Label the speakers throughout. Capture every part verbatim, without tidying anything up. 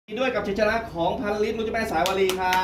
Speaker 1: ด้วยกับชัยชนะของพันลิตรนุชแม่สายวลีครับ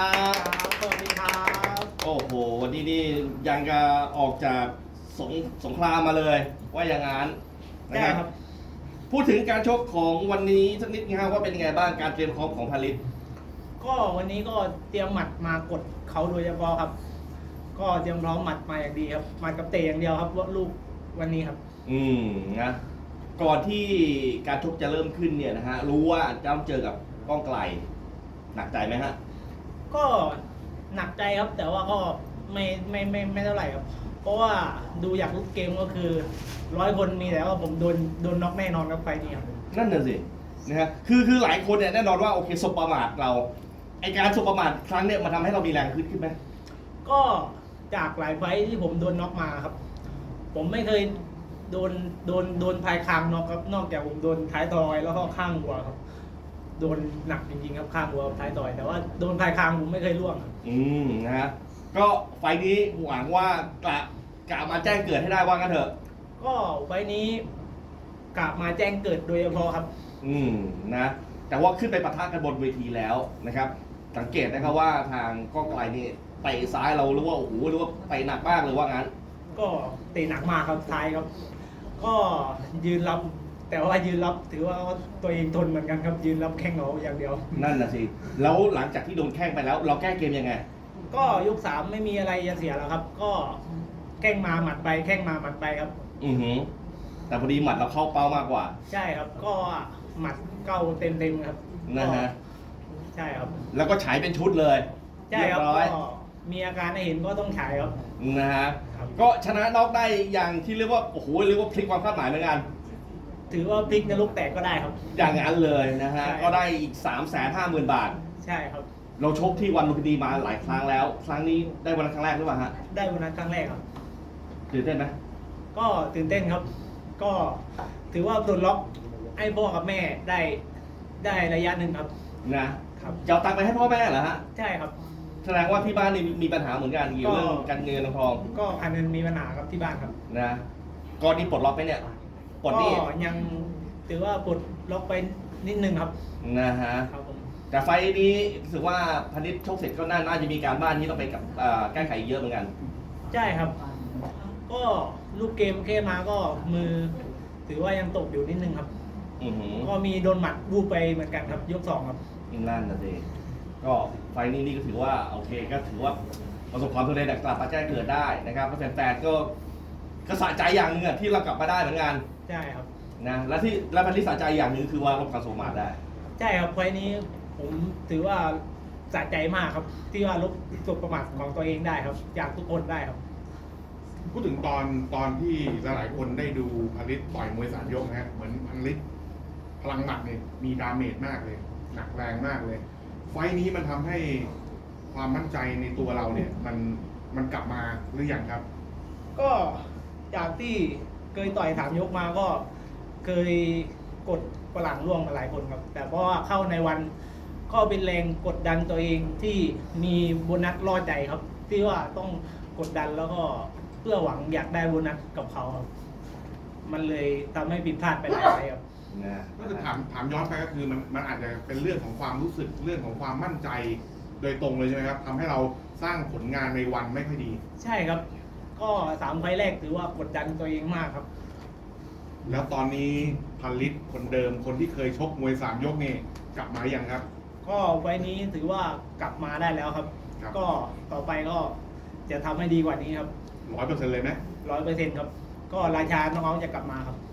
Speaker 2: สวัสดีครับ
Speaker 1: โอ้โหวันนี้นี่ยังจะออกจากสงสงครามมาเลยว่าอย่างนั้นนะครับพูดถึงการชกของวันนี้สักนิดนะครับว่าเป็นยังไงบ้างการเตรียมพร้อมของพันลิตร
Speaker 2: ก็วันนี้ก็เตรียมหมัดมากดเขาโดยเฉพาะครับ ก็เตรียมพร้อมหมัดมาอย่างดีครับหมัดกับเตะอย่างเดียวครับว่าลูกวันนี้ครับ
Speaker 1: อืมนะก่อนที่การชกจะเริ่มขึ้นเนี่ยนะฮะรู้ว่าจะต้องเจอกับก้องไกลหนักใจไหมฮะ
Speaker 2: ก็หนักใจครับแต่ว่าก็ไม่ไม่ไม่ไม่เท่าไหร่ครับเพราะว่าดูอยากลุกเกมก็คือร้อยคนมีแต่ว่าผมโดนโดนน็อกแน่นอนครับไฟนี้ครับ
Speaker 1: นั่นน่ะสินะฮะคือคือหลายคนเนี่ยแน่นอนว่าโอเคสบประมาทเราไอการสบประมาทครั้งเนี่ยมันทำให้เรามีแรงขึ้นขึ้นไหม
Speaker 2: ก็จากหลายไฟที่ผมโดนน็อกมาครับผมไม่เคยโดนโดนโดนภายคางน็อกครับนอกจากผมโดนท้ายทอยแล้วก็ข้างหัวครับโดนหนักจริงๆครับข้างหัวท้ายทอยแต่ว่าโดนภายคางผมไม่เคยล่วงครับ
Speaker 1: อืมนะฮะก็ไฟนี้หวังว่ากะกะมาแจ้งเกิดให้ได้ว่างั้นเถอะ
Speaker 2: ก็ไฟนี้กะมาแจ้งเกิดโดยเฉพาะครับ
Speaker 1: อืมนะแต่ว่าขึ้นไปปะทะกันบนเวทีแล้วนะครับสังเกตนะครับว่าทางก้องไกลนี่ไปซ้ายเรารู้ว่าโอ้โหรู้ว่าไปหนักมากเลยว่างั้น
Speaker 2: ก็เตะหนักมากครับท้ายครับก็ยืนรับแต่ว่ายืนรับถือว่าตัวเองทนเหมือนกันครับยืนรับแข้งเอาอย่างเดียว
Speaker 1: นั่นน่ะสิแล้วหลังจากที่โดนแข้งไปแล้วเราแก้เกมยังไง
Speaker 2: ก็ยกสามไม่มีอะไรจะเสียแล้วครับก็แข้งมาหมัดไปแข้งมาหมัดไปครับ
Speaker 1: อือหือแต่พอดีหมัดเราเข้าเป้ามากกว่า
Speaker 2: ใช่ครับก็หมัดเก้าเต็มเต็มครับ
Speaker 1: นะฮะ
Speaker 2: ใช่ครับ
Speaker 1: แล้วก็ฉายเป็นชุดเลย
Speaker 2: ใช่ครับก็มีอาการให้เห็นก็ต้องฉายครับ
Speaker 1: นะฮะก็ชนะน็อกได้อย่างที่เรียกว่าโอ้โหเรียกว่าพลิกความคาดหมายเหมือนกัน
Speaker 2: ถือว่าพลิกนรกแตกก็ได้ครับ
Speaker 1: อย่างนั้นเลยนะฮะก็ได้อีกสามแสนห้าหมื่นบาท
Speaker 2: ใช่ครับ
Speaker 1: เราชกที่วันลุมพินีมาหลายครั้งแล้วครั้งนี้ได้วันครั้งแรกหรือเปล่าฮะ
Speaker 2: ได้วันนั้นครั้งแรกครับ
Speaker 1: ตื่นเต้นไหม
Speaker 2: ก็ตื่นเต้นครับก็ถือว่าโดนล็อกให้พ่อกับแม่ได้ได้ระยะหนึ่งครับ
Speaker 1: นะครับจะเอาตังค์ไปให้พ่อแม่เหรอฮะ
Speaker 2: ใช่ครับ
Speaker 1: แสดงว่าที่บ้านนี่มีปัญหาเหมือนกันเกี่ยวเรื่องการเงินทอง
Speaker 2: ก็การเงินมีปัญหาครับที่บ้านครับ
Speaker 1: นะก่อนนี้ปลดล็อกไปเนี่ย
Speaker 2: ปลดนี่ยังถือว่าปลดล็อกไปนิดนึงครับ
Speaker 1: นะฮะครับผมแต่ไฟนี้รู้สึกว่าพนิชชกเสร็จก็น่าจะมีการบ้านที่ต้องไปกับแก้ไขเยอะเหมือนกัน
Speaker 2: ใช่ครับก็ลูกเกมแค่มาก็มือถือว่ายังตกอยู่นิดนึงครับก็มีโดนหมัดวูบไปเหมือนกันครับยกสองครับ
Speaker 1: นั่นนะสิก็ไฟนี้นี่ก็ถือว่าโอเคก็ถือว่าประสบความสำเร็จกลับมาแจ้งเกิดได้นะครับแฟนๆก็ก็สะใจอย่างหนึ่งที่เรากลับมาได้เหมือนกัน
Speaker 2: ใช่ครับ
Speaker 1: นะและที่และพันที่สะใจอย่างหนึ่งคือว่าลบการสมาได้
Speaker 2: ใช่ครับไฟนี้ผมถือว่าสะใจมากครับที่ว่าลบสุประมาทของตัวเองได้ครับจากทุกคนได้ครับ
Speaker 3: พูดถึงตอนตอนที่หลายคนได้ดูพันลิตต่อยมวยสามยกนะฮะเหมือนพันลิตพลังหมัดเนี่ยมีดาเมจมากเลยหนักแรงมากเลยไฟนี้มันทำให้ความมั่นใจในตัวเราเนี่ยมันมันกลับมาหรือยังครับ
Speaker 2: ก็จากที่เคยต่อยสามยกมาก็เคยกดฝรั่งร่วงมาหลายคนครับแต่เพราะว่าเข้าในวันก็เป็นแรงกดดันตัวเองที่มีโบนัสล่อใจครับที่ว่าต้องกดดันแล้วก็เพื่อหวังอยากได้โบนัสกับเขาครับมันเลยทำให้ผิดพลาดไปหลายครั้งครับ
Speaker 3: ก็คือถามถามย้อนไปก็คือมันมันอาจจะเป็นเรื่องของความรู้สึกเรื่องของความมั่นใจโดยตรงเลยใช่ไหมครับทำให้เราสร้างผลงานในวันไม่ค่อยดี
Speaker 2: ใช่ครับก็สามไฟล์แรกถือว่ากดดันตัวเองมากครับ
Speaker 3: แล้วตอนนี้พันลิตคนเดิมคนที่เคยชกมวยสามยกนี่กลับมาอย่างครับ
Speaker 2: ก็ไฟล์นี้ถือว่ากลับมาได้แล้วครับก็ต่อไปก็จะทำให้ดีกว่านี้ครับ
Speaker 3: ร้อยเปอร์เซ็นต์เลยไหม
Speaker 2: ร้อยเปอร์เซ็นต์ครับก็ราชาน้องๆจะกลับมาครับ